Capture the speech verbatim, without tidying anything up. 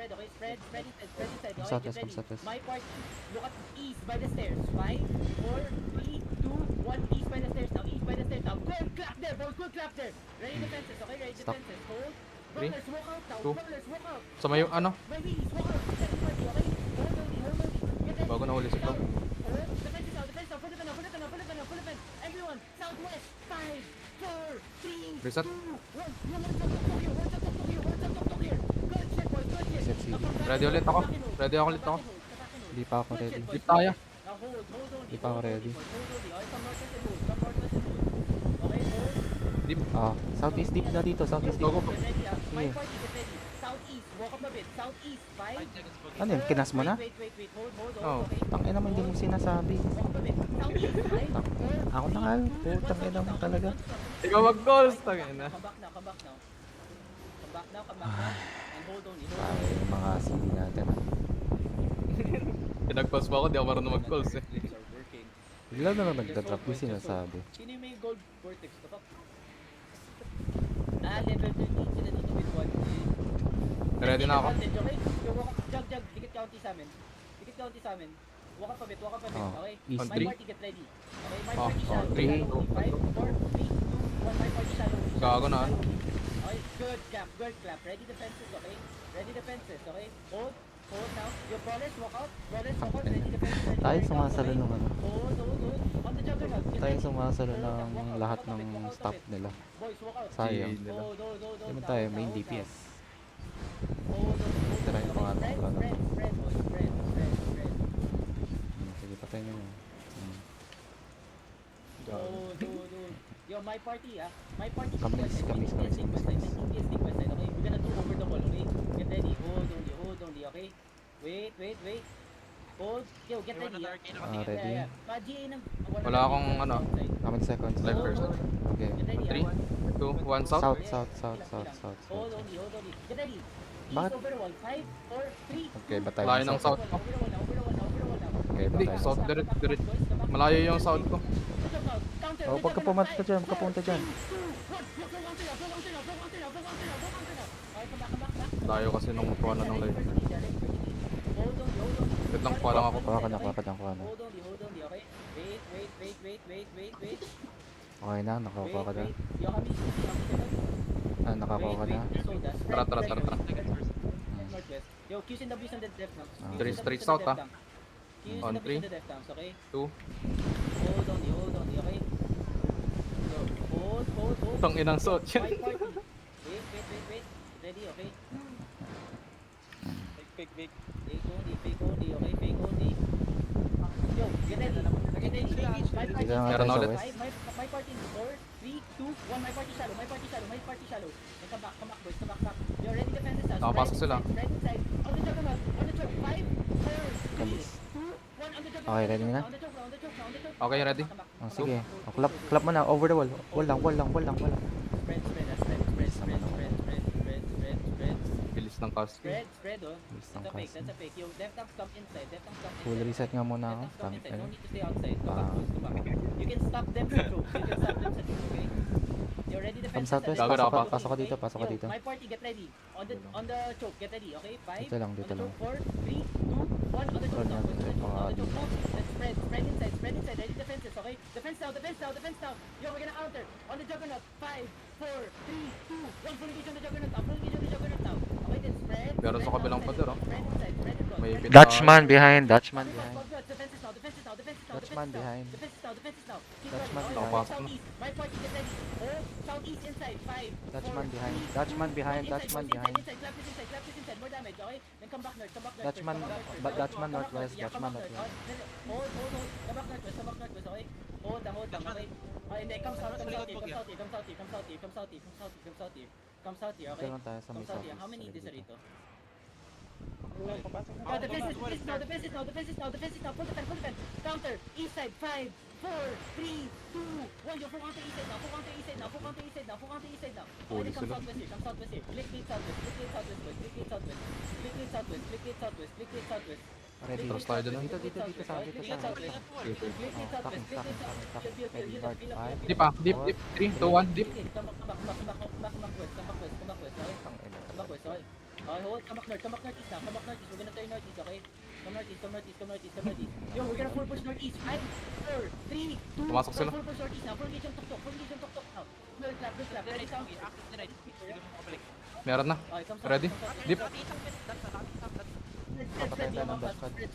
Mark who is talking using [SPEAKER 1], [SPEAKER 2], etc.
[SPEAKER 1] spread, okay? Spread, spread inside, spread inside,
[SPEAKER 2] Come
[SPEAKER 1] okay?
[SPEAKER 2] southwest,
[SPEAKER 1] Get
[SPEAKER 2] come
[SPEAKER 1] ready.
[SPEAKER 2] southwest.
[SPEAKER 1] My part, look at east by the stairs. Five, four, three, two, one. East by the stairs now. East by the stairs now. Go and clap there, boys. Go and clap there. Ready defenses, okay? Ready
[SPEAKER 2] Stop.
[SPEAKER 1] defenses. Hold.
[SPEAKER 3] Three,
[SPEAKER 1] Brawlers, walk out now.
[SPEAKER 3] two.
[SPEAKER 1] Brawlers, walk out.
[SPEAKER 3] So may yung ano?
[SPEAKER 1] My wheelies, walk out. Second party, okay? Hold on, hold on. Get ready.
[SPEAKER 3] Bago nahuli si Cloud.
[SPEAKER 1] Hold. Defenses now, defenses now. Full defend now, full defend now, full defend now, full defend. Everyone, southwest. Five, four, three,
[SPEAKER 3] Reset.
[SPEAKER 1] two, one. Yung one shot, tok here. One shot, tok here. One shot, tok here. Good shit, boys. Good shit.
[SPEAKER 2] Reset, sige.
[SPEAKER 1] Now come back
[SPEAKER 3] Ready
[SPEAKER 1] and
[SPEAKER 3] ulit
[SPEAKER 1] hold.
[SPEAKER 3] ako.
[SPEAKER 1] Come back and hold.
[SPEAKER 3] Ready ako ulit
[SPEAKER 1] Come
[SPEAKER 3] ako.
[SPEAKER 1] back and hold. Come back and hold.
[SPEAKER 2] Hindi pa ako
[SPEAKER 1] Good
[SPEAKER 2] ready.
[SPEAKER 1] shit, boys.
[SPEAKER 3] Dip tayo.
[SPEAKER 1] Now hold, hold only.
[SPEAKER 2] Di pa ako
[SPEAKER 1] hold only,
[SPEAKER 2] ready.
[SPEAKER 1] boys. Hold only. Okay, come northwest and hold. Come northwest and hold. Okay, hold.
[SPEAKER 3] Deep.
[SPEAKER 2] Ah, southeast deep na dito, southeast
[SPEAKER 3] Go,
[SPEAKER 2] deep.
[SPEAKER 3] go, go.
[SPEAKER 1] Get ready, ah. My
[SPEAKER 2] Sige.
[SPEAKER 1] party, get ready. Southeast. Walk up a bit. Southeast. Five.
[SPEAKER 2] Ano yun, kinas mo na?
[SPEAKER 1] Wait, wait, wait, wait. Hold, hold,
[SPEAKER 3] Oh.
[SPEAKER 1] hold. Okay.
[SPEAKER 2] Tangin naman, hindi mo sinasabi.
[SPEAKER 1] Walk up a bit. Southeast. Five,
[SPEAKER 2] Tang-
[SPEAKER 1] four,
[SPEAKER 2] Ako na nga, putang ina mo talaga.
[SPEAKER 3] Ikaw mag-goals. Tangin na.
[SPEAKER 1] Come back now, come back now. Come back now, come back now. And hold only, hold
[SPEAKER 2] Ay,
[SPEAKER 1] only.
[SPEAKER 2] yung mga sili natin. ah.
[SPEAKER 3] Pinag-pause pa ako, di ako marunong mag-goals eh.
[SPEAKER 1] Things are working.
[SPEAKER 2] Bigla na lang nagda-drop yung sinasabi.
[SPEAKER 1] Sino yung may gold vortex? The fuck? Ah, level thirteen sila dito with one.
[SPEAKER 3] Ready na ako.
[SPEAKER 1] Advantage, okay? Yo, walk up, jog, jog, dikit county sa amin. Dikit county sa amin. Walk up a bit, walk up a bit,
[SPEAKER 2] Oh,
[SPEAKER 1] okay?
[SPEAKER 2] east.
[SPEAKER 1] My
[SPEAKER 3] Three.
[SPEAKER 1] party get ready. Okay, my
[SPEAKER 3] Oh,
[SPEAKER 1] party
[SPEAKER 3] oh,
[SPEAKER 1] shallow.
[SPEAKER 2] three.
[SPEAKER 1] Shallow only. Five, four, three, two, one. My party shallow.
[SPEAKER 3] Gago na,
[SPEAKER 1] Shallow only. Okay, good clap, good clap. Ready defenses, okay? Ready defenses, okay? Hold, hold now. Your brawlers walk out. Brawlers walk out. Ready defenses, ready
[SPEAKER 2] Tayo
[SPEAKER 1] defenses,
[SPEAKER 2] sumasalo
[SPEAKER 1] okay?
[SPEAKER 2] nung ano.
[SPEAKER 1] Hold, hold, hold. On the juggernaut. Get
[SPEAKER 2] Tayo
[SPEAKER 1] ready.
[SPEAKER 2] sumasalo
[SPEAKER 1] Hold up, walk
[SPEAKER 2] ng
[SPEAKER 1] out,
[SPEAKER 2] lahat
[SPEAKER 1] walk out a bit,
[SPEAKER 2] ng
[SPEAKER 1] walk out a
[SPEAKER 2] staff
[SPEAKER 1] bit.
[SPEAKER 2] nila.
[SPEAKER 1] Boys, walk out.
[SPEAKER 2] Sayang.
[SPEAKER 3] Nila.
[SPEAKER 1] Hold, hold, hold, hold
[SPEAKER 2] Hindi
[SPEAKER 1] now,
[SPEAKER 2] tayo,
[SPEAKER 1] hold
[SPEAKER 2] main
[SPEAKER 1] now,
[SPEAKER 2] D
[SPEAKER 1] hold
[SPEAKER 2] P
[SPEAKER 1] now.
[SPEAKER 2] S.
[SPEAKER 1] Hold on, hold
[SPEAKER 2] Try
[SPEAKER 1] on.
[SPEAKER 2] ko nga
[SPEAKER 1] Spread,
[SPEAKER 2] ng ano.
[SPEAKER 1] spread, spread, boys. Spread, spread, spread.
[SPEAKER 2] Hmm, sige, patay nyo yun. Hmm.
[SPEAKER 1] Hold, hold, hold. Yo, my party, ah. My party.
[SPEAKER 2] Kamis,
[SPEAKER 1] West side,
[SPEAKER 2] kamis,
[SPEAKER 1] T P S
[SPEAKER 2] kamis,
[SPEAKER 1] stick west
[SPEAKER 2] kamis,
[SPEAKER 1] side, T P S stick west side, okay? We're gonna do over the wall, okay? Get ready. Hold only, hold only, okay? Wait, wait, wait. Hold. Yo, get ready, ah.
[SPEAKER 2] Ah,
[SPEAKER 1] Yeah,
[SPEAKER 2] ready?
[SPEAKER 1] yeah. Ma G A ng...
[SPEAKER 3] Wala akong ano.
[SPEAKER 2] How many seconds?
[SPEAKER 3] Live first.
[SPEAKER 2] Okay.
[SPEAKER 1] Get ready,
[SPEAKER 3] Three,
[SPEAKER 1] ah.
[SPEAKER 3] two, one, south.
[SPEAKER 2] South, south, south,
[SPEAKER 1] Bilang,
[SPEAKER 2] south,
[SPEAKER 1] bilang.
[SPEAKER 2] south,
[SPEAKER 1] Hold
[SPEAKER 2] south.
[SPEAKER 1] only, hold only. Get ready. East
[SPEAKER 2] Bakit?
[SPEAKER 1] over the wall. Five, four, three,
[SPEAKER 2] Okay,
[SPEAKER 1] two,
[SPEAKER 2] batay
[SPEAKER 3] Layo
[SPEAKER 2] ng
[SPEAKER 3] ng
[SPEAKER 2] south.
[SPEAKER 3] south.
[SPEAKER 1] Over the wall now, over the wall now, over the wall now.
[SPEAKER 2] Okay,
[SPEAKER 3] Hindi,
[SPEAKER 2] batay.
[SPEAKER 3] south direct, direct. Malayo yung south ko.
[SPEAKER 2] Oh, pagka pumunta ka dyan, pagka dyan.
[SPEAKER 3] Layo kasi nung kuha na ng live. Wait lang, kuha lang ako.
[SPEAKER 2] Kuha ka na, kuha ka na, kuha na.
[SPEAKER 1] Hold on, hold on, okay? Wait, wait, wait, wait, wait, wait, wait.
[SPEAKER 2] Okay na, nakakuha ka na.
[SPEAKER 1] Wait, wait. Yo, kami, kami ka na.
[SPEAKER 2] Ah, nakakuha ka na.
[SPEAKER 1] Wait, wait, soda. Spread,
[SPEAKER 3] Tara, tara,
[SPEAKER 1] spread,
[SPEAKER 3] tara, tara.
[SPEAKER 1] spread, spread, northwest. Yo, Q's and W's on the left now.
[SPEAKER 2] Ah.
[SPEAKER 1] Q's
[SPEAKER 3] Three
[SPEAKER 1] and
[SPEAKER 3] straight
[SPEAKER 1] W's on
[SPEAKER 3] south,
[SPEAKER 1] the
[SPEAKER 3] ah.
[SPEAKER 1] left now. Q's
[SPEAKER 3] On
[SPEAKER 1] and W's
[SPEAKER 3] three.
[SPEAKER 1] on the left now, okay?
[SPEAKER 3] Two.
[SPEAKER 1] Hold on, hold on, okay? So, hold, hold, hold.
[SPEAKER 3] Tang inang
[SPEAKER 1] Yo,
[SPEAKER 3] suot yan.
[SPEAKER 1] my party. Wait, wait, wait, wait. Ready, okay?
[SPEAKER 3] Fake, fake.
[SPEAKER 1] Fake only, fake only, okay? Fake only. Yo, get ready. Get ready. My party.
[SPEAKER 2] Dito na
[SPEAKER 3] Meron
[SPEAKER 2] tayo sa
[SPEAKER 3] ulit.
[SPEAKER 2] west.
[SPEAKER 1] My, my, my party in four, three, two, one. My party shallow. My party shallow. My party shallow. And come back, come back, boys. Come back, back. You're ready defenses now.
[SPEAKER 3] Nakapasok sila.
[SPEAKER 1] Spread inside. On the juggernaut. On the choke. Five, four, three,
[SPEAKER 2] Kamis.
[SPEAKER 1] two, one. On the juggernaut.
[SPEAKER 2] Okay, ready na?
[SPEAKER 1] On the choke, on the choke, on the choke.
[SPEAKER 3] Okay, ready?
[SPEAKER 1] Come back,
[SPEAKER 2] Oh,
[SPEAKER 1] come back,
[SPEAKER 2] sige.
[SPEAKER 1] come back.
[SPEAKER 2] Oh, clap, clap mo na, over the wall. Wall lang, wall lang, wall lang, wall lang.
[SPEAKER 1] Spread, spread, ah, spread, spread, spread, spread, spread, spread, spread, spread.
[SPEAKER 3] Bilis ng casting.
[SPEAKER 1] Spread, spread, oh.
[SPEAKER 2] Bilis
[SPEAKER 1] That's
[SPEAKER 2] ng
[SPEAKER 1] a fake,
[SPEAKER 2] casting.
[SPEAKER 1] that's a fake. Yo, left tanks come inside, left tanks come inside.
[SPEAKER 2] Full reset nga muna ako.
[SPEAKER 1] Left tanks come
[SPEAKER 2] Tang
[SPEAKER 1] inside,
[SPEAKER 2] ina.
[SPEAKER 1] no need to stay outside. Come
[SPEAKER 2] Ah.
[SPEAKER 1] back, boys, come back. You can stop them sa troops, you can stop them sa troops, okay? You're ready
[SPEAKER 2] Come
[SPEAKER 1] defenses.
[SPEAKER 2] southwest,
[SPEAKER 1] ah,
[SPEAKER 3] pasok
[SPEAKER 1] left
[SPEAKER 3] ka-
[SPEAKER 1] tanks,
[SPEAKER 2] pasok ka
[SPEAKER 1] okay?
[SPEAKER 2] dito, pasok ka
[SPEAKER 1] Yo,
[SPEAKER 2] dito.
[SPEAKER 1] My party, get ready. On the on the choke, get ready, okay? Five.
[SPEAKER 2] Dito lang, dito
[SPEAKER 1] on the
[SPEAKER 2] lang.
[SPEAKER 1] choke, four, three, two, one. On the choke
[SPEAKER 2] Spread
[SPEAKER 1] now,
[SPEAKER 2] natin,
[SPEAKER 1] boys, on the choke,
[SPEAKER 2] baka
[SPEAKER 1] on the choke
[SPEAKER 2] dito.
[SPEAKER 1] now. Let's spread, spread inside, spread inside. Ready defenses, okay? Defense now, defense now, defense now. Yo, we're gonna counter. On the juggernaut. Five, four, three, two, one. Full engage on the juggernaut now. Full engage on the juggernaut now. Okay, then spread.
[SPEAKER 3] Pero sa
[SPEAKER 1] spread
[SPEAKER 3] kabilang
[SPEAKER 1] outside,
[SPEAKER 3] pader, oh.
[SPEAKER 1] Spread inside, spread and go.
[SPEAKER 3] May
[SPEAKER 1] spread
[SPEAKER 3] bit-
[SPEAKER 1] inside.
[SPEAKER 2] Dutchman behind, Dutchman
[SPEAKER 1] Defenses
[SPEAKER 2] behind.
[SPEAKER 1] now, defenses now, defenses now, defenses now,
[SPEAKER 2] Dutchman
[SPEAKER 1] defenses now.
[SPEAKER 2] behind.
[SPEAKER 1] Defenses now, defenses now. Keep
[SPEAKER 2] Dutchman
[SPEAKER 1] running.
[SPEAKER 2] behind.
[SPEAKER 1] Okay, southeast. My party, get ready. Oh, southeast inside. Five,
[SPEAKER 2] Dutchman
[SPEAKER 1] four,
[SPEAKER 2] behind,
[SPEAKER 1] three,
[SPEAKER 2] Dutchman
[SPEAKER 1] two,
[SPEAKER 2] behind,
[SPEAKER 1] one. Inside,
[SPEAKER 2] Dutchman
[SPEAKER 1] boys, inside,
[SPEAKER 2] behind.
[SPEAKER 1] Inside, clap this inside, clap this inside. More damage, okay? Then come back north, come back north.
[SPEAKER 2] Dutchman,
[SPEAKER 1] first, come back north
[SPEAKER 2] but
[SPEAKER 1] first.
[SPEAKER 2] Dutchman
[SPEAKER 1] Come back
[SPEAKER 2] northwest,
[SPEAKER 1] north, yeah, come
[SPEAKER 2] Dutchman
[SPEAKER 1] back north.
[SPEAKER 2] northwest.
[SPEAKER 1] Oh, then- Hold, hold, hold. Come back northwest, come back northwest, okay? Hold down, hold down, okay? Okay, then come south, come south here, come south here, come south here, come south here, come south here, come south here, come south here. Come south here, okay?
[SPEAKER 2] Dito lang tayo sa
[SPEAKER 1] Come
[SPEAKER 2] may
[SPEAKER 1] south here.
[SPEAKER 2] southeast.
[SPEAKER 1] How many
[SPEAKER 2] Sa
[SPEAKER 1] is there
[SPEAKER 2] dito.
[SPEAKER 1] rito? Oh, the business, the business now, the business now, the business now, the business now. Full defend, full defend. Counter, east side, five, four, three, two, one. Yo, full counter east side now, full counter east side now, full counter east side now, full counter east side now. Okay, then come
[SPEAKER 3] sila.
[SPEAKER 1] southwest here, come southwest here. Click gate southwest, click gate southwest, boys. Click gate southwest, click gate southwest, click gate southwest, click gate southwest.
[SPEAKER 2] Ready.
[SPEAKER 3] Trust tayo dyan, ah.
[SPEAKER 2] Dito, dito, dito sa, dito sa.
[SPEAKER 1] Click gate southwest,
[SPEAKER 3] Okay, okay.
[SPEAKER 1] click gate
[SPEAKER 2] Oh,
[SPEAKER 1] southwest,
[SPEAKER 2] takin,
[SPEAKER 1] click gate
[SPEAKER 2] takin,
[SPEAKER 1] southwest.
[SPEAKER 2] takin,
[SPEAKER 1] Heal, heal,
[SPEAKER 2] takin.
[SPEAKER 1] heal,
[SPEAKER 2] Guard,
[SPEAKER 1] heal, heal,
[SPEAKER 2] five.
[SPEAKER 1] heal.
[SPEAKER 3] Deep ah, deep, deep. three, two, one, deep.
[SPEAKER 1] Okay, come back, come back, come back, come back, come back west, come back west, come back west, okay?
[SPEAKER 2] Tang ina.
[SPEAKER 1] Come back west, okay? Okay, hold. Come back north. Come back northeast now. Come back northeast. We're gonna turn northeast, okay? Come northeast, come northeast, come northeast, come northeast. Yo, we're gonna full push northeast. Five, four, three, two,
[SPEAKER 3] Pumasok
[SPEAKER 1] one,
[SPEAKER 3] sila.
[SPEAKER 1] full push northeast now. Full engage yung tuktok. Full engage yung tuktok now. Build trap, build trap. Ready sound.
[SPEAKER 3] Meron na.
[SPEAKER 1] Okay, come south,
[SPEAKER 3] Ready?
[SPEAKER 1] come south.
[SPEAKER 3] Deep.
[SPEAKER 1] Let's, let's, let's,
[SPEAKER 2] Papatay tayo ng dash pad.
[SPEAKER 1] let's,